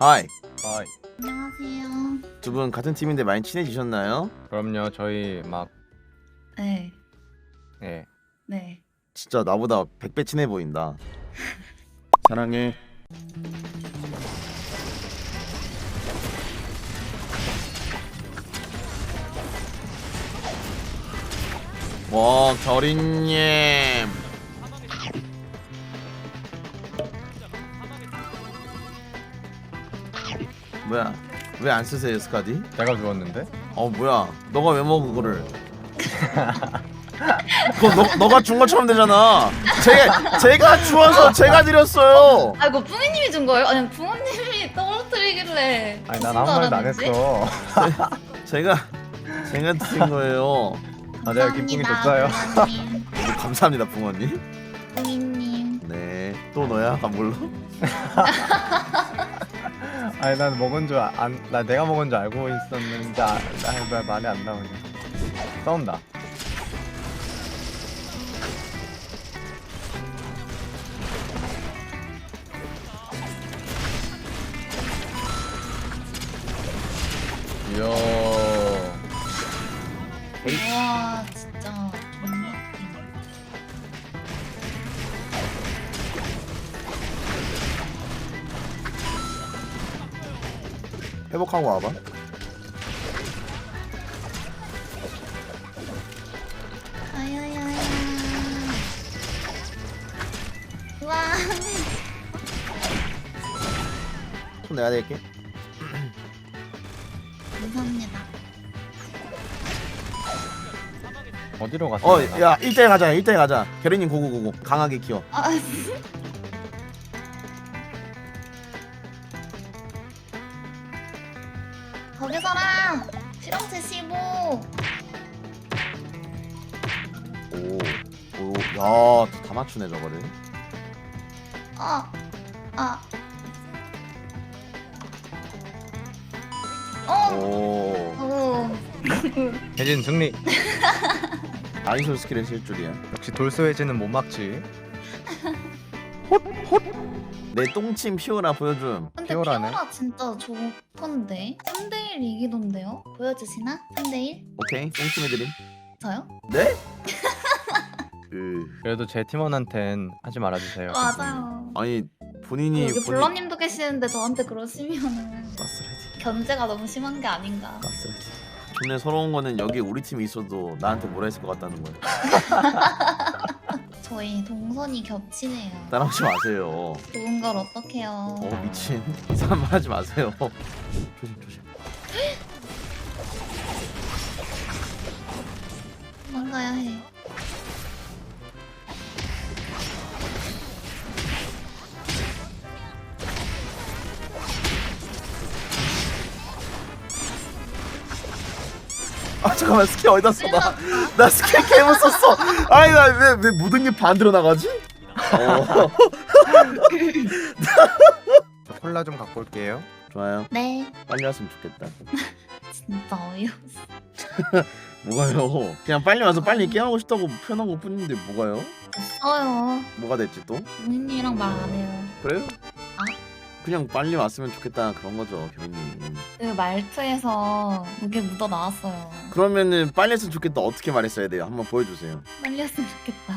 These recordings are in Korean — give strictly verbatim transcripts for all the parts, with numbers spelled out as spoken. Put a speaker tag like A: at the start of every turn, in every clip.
A: 하이.
B: 아,
C: 안녕하세요.
A: 두 분 같은 팀인데 많이 친해지셨나요?
B: 그럼요. 저희 막
C: 네,
B: 예.
C: 네.
A: 진짜 나보다 백 배 친해 보인다. 사랑해. 와, 결인님. 뭐야? 왜 안 쓰세요, 스카디?
B: 제가 주웠는데?
A: 어, 뭐야? 너가 왜 먹어 그거를? 그거 너, 너가 준 것처럼 되잖아. 제가 제가 주워서 제가 드렸어요.
C: 아 이거 뿡이님이 준 거예요? 아니 뿡이님이 떨어뜨리길래.
B: 아니 난 아무 말도 안 했어.
A: 제가 제가 드린 거예요.
B: 아 내가 기쁨이 줬어요.
A: 네, 감사합니다, 붕어님.
C: 뿡이님.
A: 네, 또 너야, 감물로?
B: 아니 난 먹은 줄 안 나 내가 먹은 줄 알고 있었는데 아, 나, 나 말이 안 나오네. 싸운다. 이야.
C: 와 진짜 존나.
A: 회복하고 와봐.
C: 아야야야. 와.
A: 손 내가 낼게.
C: 감사합니다.
B: 어디로 갔어?
A: 어, 야, 일 대 일 가자, 일 대 일 가자. 결인님 고고고고 강하게 키워.
C: 아. 거기서라. 실험체 십오.
A: 오, 오, 야, 다 맞추네 저거를.
C: 아. 아. 어.
A: 오,
C: 오.
B: 혜진 승리.
A: 아이솔 스킬을 쓸 줄이야.
B: 역시 돌수 혜진은 못 막지.
A: 내 똥침 피오라 보여줌.
C: 근데
B: 피오라네.
C: 피오라 진짜 좋던데. 삼 대 일 이기던데요? 보여주시나? 삼 대 일?
A: 오케이, 똥침 해드림.
C: 저요?
A: 네? 으,
B: 그래도 제 팀원한텐 하지 말아주세요.
C: 맞아요.
A: 아니 본인이
C: 여기
A: 본인
C: 블러님도 계시는데 저한테 그러시면은
A: 가스라이팅,
C: 견제가 너무 심한 게 아닌가.
A: 가스라이팅. 존내 서러운 거는 여기 우리 팀이 있어도 나한테 뭐라 했을 것 같다는 거야.
C: 저희 동선이 겹치네요.
A: 따라오지 마세요.
C: 좋은 걸 어떡해요.
A: 어 미친 이상한 말 하지 마세요. 조심 조심.
C: 도망가야 해.
A: 아 잠깐만, 스킬 어디다 써? 나, 나 스킬 개못 썼어. 아니 나 왜 왜 모든 게 반대로 나가지? 어.
B: 저 콜라 좀 갖고 올게요.
A: 좋아요.
C: 네.
A: 빨리 왔으면 좋겠다.
C: 진짜 어이없어.
A: 뭐가요? 그냥 빨리 와서 빨리 게임하고 싶다고 표현한 것 뿐인데 뭐가요?
C: 됐어요.
A: 뭐가 됐지 또?
C: 부모님이랑 말 안 해요.
A: 그래요?
C: 아?
A: 그냥 빨리 왔으면 좋겠다 그런 거죠, 교수님.
C: 그 말투에서 그게 묻어 나왔어요.
A: 그러면은 빨리 했으면 좋겠다 어떻게 말했어야 돼요? 한번 보여주세요.
C: 빨리 했으면 좋겠다.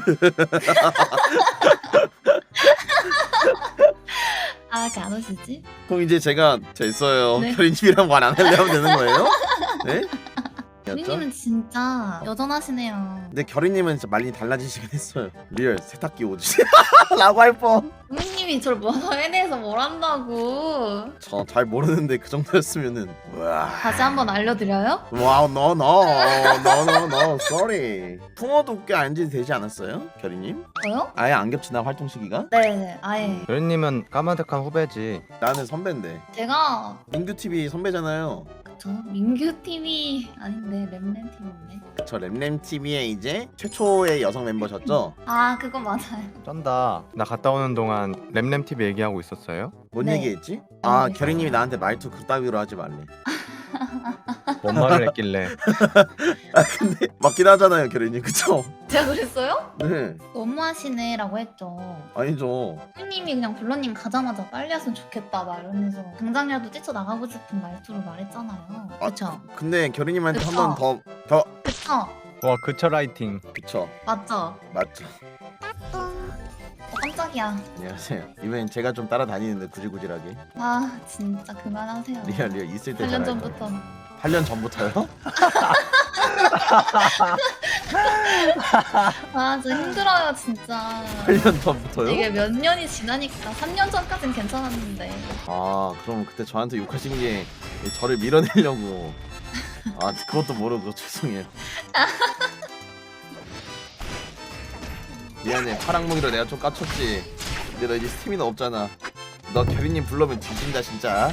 C: 아, 이렇게 안 오시지?
A: 그럼 이제 제가 됐어요.
C: 네.
A: 교수님이랑 말 안 하려면 되는 거예요? 네? 였죠?
C: 부모님은 진짜 여전하시네요.
A: 근데 결이님은 진짜 많이 달라지시긴 했어요. 리얼 세탁기 오지 라고 할 뻔.
C: 부모님이 저를 뭐서 해내서 뭘 한다고.
A: 저 잘 모르는데 그 정도였으면은 와.
C: 다시 한번 알려드려요?
A: 와우, no no no no no sorry. 풍어도 꽤 안지 되지 않았어요, 결이님?
C: 저요?
A: 아예 안 겹치나 활동 시기가?
C: 네네, 아예.
B: 여린님은 까마득한 후배지.
A: 나는 선배인데.
C: 제가
A: 민규 티비 선배잖아요.
C: 저 민규팀이 아닌데 램램팀인데.
A: 저 램램 티비의 이제 최초의 여성 멤버셨죠?
C: 아, 그거 맞아요.
B: 쩐다. 나 갔다 오는 동안 램램티비 얘기하고 있었어요?
A: 뭔
C: 네.
A: 얘기했지? 아,
C: 네.
A: 결이님이 나한테 말투 그따위로 하지 말래.
B: 뭔 말을 했길래.
A: 아 근데 맞긴 하잖아요 결이님 그쵸?
C: 제가 그랬어요?
A: 네
C: 너무하시네라고 했죠.
A: 아니죠.
C: 형님이 그냥 블러님 가자마자 빨리 왔으면 좋겠다 막 이러면서 당장이라도 뛰쳐나가고 싶은 말투로 말했잖아요. 그쵸?
A: 근데 결이님한테 한
C: 그쵸.
A: 번 더 더
C: 그쵸?
B: 와 그처 라이팅.
A: 그쵸
C: 맞죠?
A: 맞죠.
C: 어, 깜짝이야.
A: 안녕하세요. 이번엔 제가 좀 따라다니는데 구질구질하게
C: 아 진짜 그만하세요.
A: 리얼 리얼 있을 때
C: 팔 년
A: 잘할
C: 전부터.
A: 거예요. 팔 년 전부터요?
C: 아 진짜 힘들어요 진짜.
A: 팔 년 전부터요?
C: 이게 몇 년이 지나니까 삼 년 전까진 괜찮았는데.
A: 아 그럼 그때 저한테 욕하신 게 저를 밀어내려고 아 그것도 모르고 죄송해요. 미안해 파랑몽이로 내가 좀 까쳤지. 근데 너 이제 스태미나 없잖아. 너 결이님 불러면 뒤진다 진짜.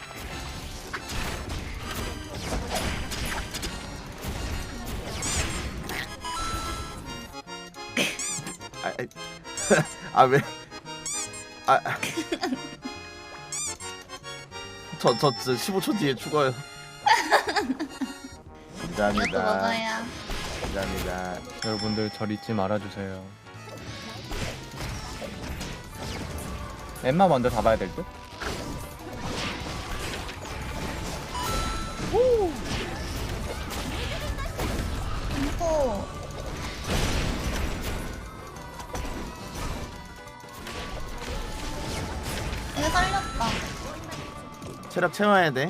A: 아 왜? 아 저 저 저 십오 초 뒤에 죽어요.
C: 이것도
A: 감사합니다.
C: 먹어야.
A: 감사합니다.
B: 여러분들 절 잊지 말아주세요. 엠마 먼저 잡아야 될 듯?
C: 공포. 이거 살렸다.
A: 체력 채워야 돼.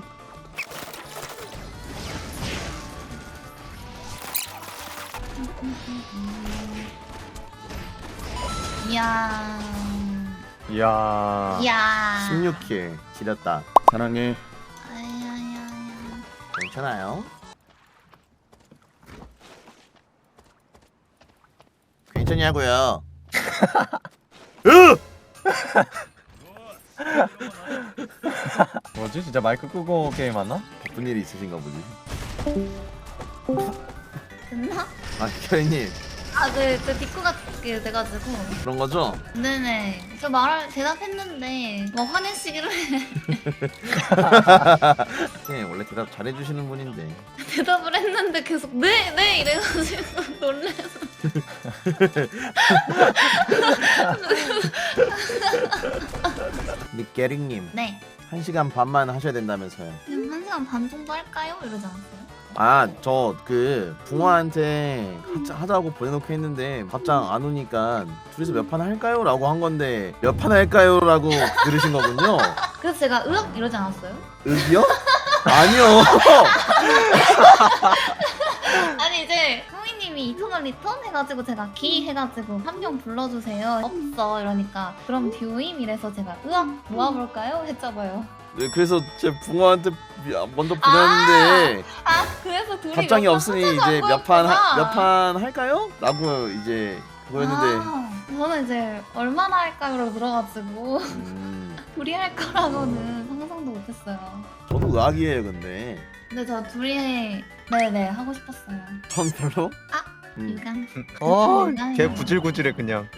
C: 이야.
B: 이야.
C: 이야.
A: 십육 킬 지렸다. 사랑해.
C: 아야야야.
A: 괜찮아요. 괜찮냐고요? 으!
B: 뭐지? 진짜 마이크 끄고 게임하나?
A: 바쁜 일이 있으신가 보지.
C: 됐나?
A: 아 결이님
C: 아, 그, 그 디코가 그 돼가지고.
A: 그런 거죠?
C: 네네. 저 말을 대답했는데, 뭐 화내시기로 해.
A: 네 원래 대답 잘해주시는 분인데.
C: 대답을 했는데 계속 네, 네 이래가지고 놀래서.
A: 근데 게릭님
C: 네.
A: 한 시간 반만 하셔야 된다면서요.
C: 그럼 한 시간 반 정도 할까요? 이러지 않았어요?
A: 아 저 그 붕어한테 하자, 하자고 보내놓고 했는데 답장 안 오니까 둘이서 몇 판 할까요? 라고 한 건데 몇 판 할까요? 라고 들으신 거군요.
C: 그래서 제가 으악 이러지 않았어요?
A: 윽이요? 아니요.
C: 아니 이제 형이님이 이터널 리턴 해가지고 제가 기 해가지고 한 명 불러주세요 없어 이러니까 그럼 듀임 이래서 제가 으악 모아볼까요? 했잖아요.
A: 네, 그래서 제 붕어한테 먼저 보냈는데
C: 아 그래서 둘이
A: 답장이
C: 몇판
A: 없으니
C: 하자고
A: 이제 몇 판
C: 했구나.
A: 몇 판 할까요? 라고 이제 그거였는데
C: 아, 저는 이제 얼마나 할까요로 들어가지고
A: 음,
C: 둘이 할 거라고는 상상도 못했어요.
A: 저도 의학이에요 근데
C: 근데 저 둘이 네네 하고 싶었어요.
A: 전 별로
C: 아
A: 음.
C: 유감.
B: 어,
C: 유감이에요.
B: 걔 구질구질해 그냥.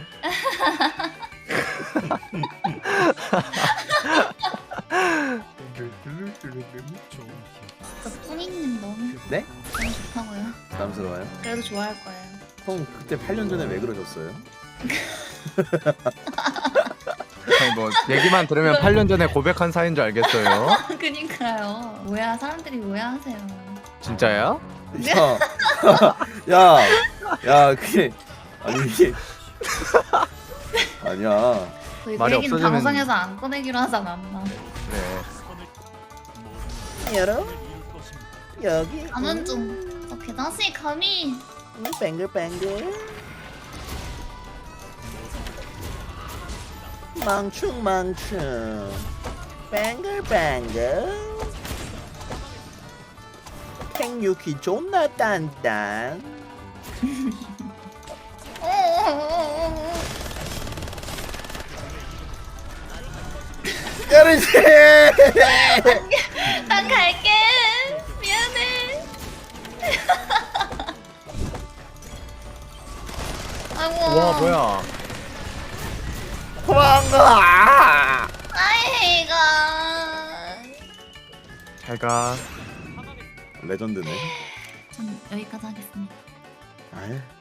C: 저 뿌니님 너무
A: 네?
C: 너무 좋다고요.
A: 부담스러워요?
C: 그래도 좋아할 거예요.
A: 형 그때 팔 년 전에 왜 그러셨어요?
B: 아니 뭐 얘기만 들으면 팔 년 전에 고백한 사이인 줄 알겠어요.
C: 그니까요. 오해 사람들이 오해하세요.
B: 진짜야?
A: 야, 야, 야, 그게 아니 이게 아니야.
C: 저희 그
B: 말이
C: 얘기는
B: 없어지면-
C: 방송에서 안 꺼내기로 하지 않았나.
B: 그래.
A: 여러분 여기
C: 가는 중. 저 계단씨 감히.
A: 뱅글뱅글 망충망충 뱅글뱅글 팽유키 존나 단단 여러분
C: 난 갈게. 미안해. 아이고.
B: 와 뭐야?
A: 도망가
C: 아이가.
B: 잘 가.
A: 레전드네.
C: 전 여기까지 하겠습니다.
A: 아이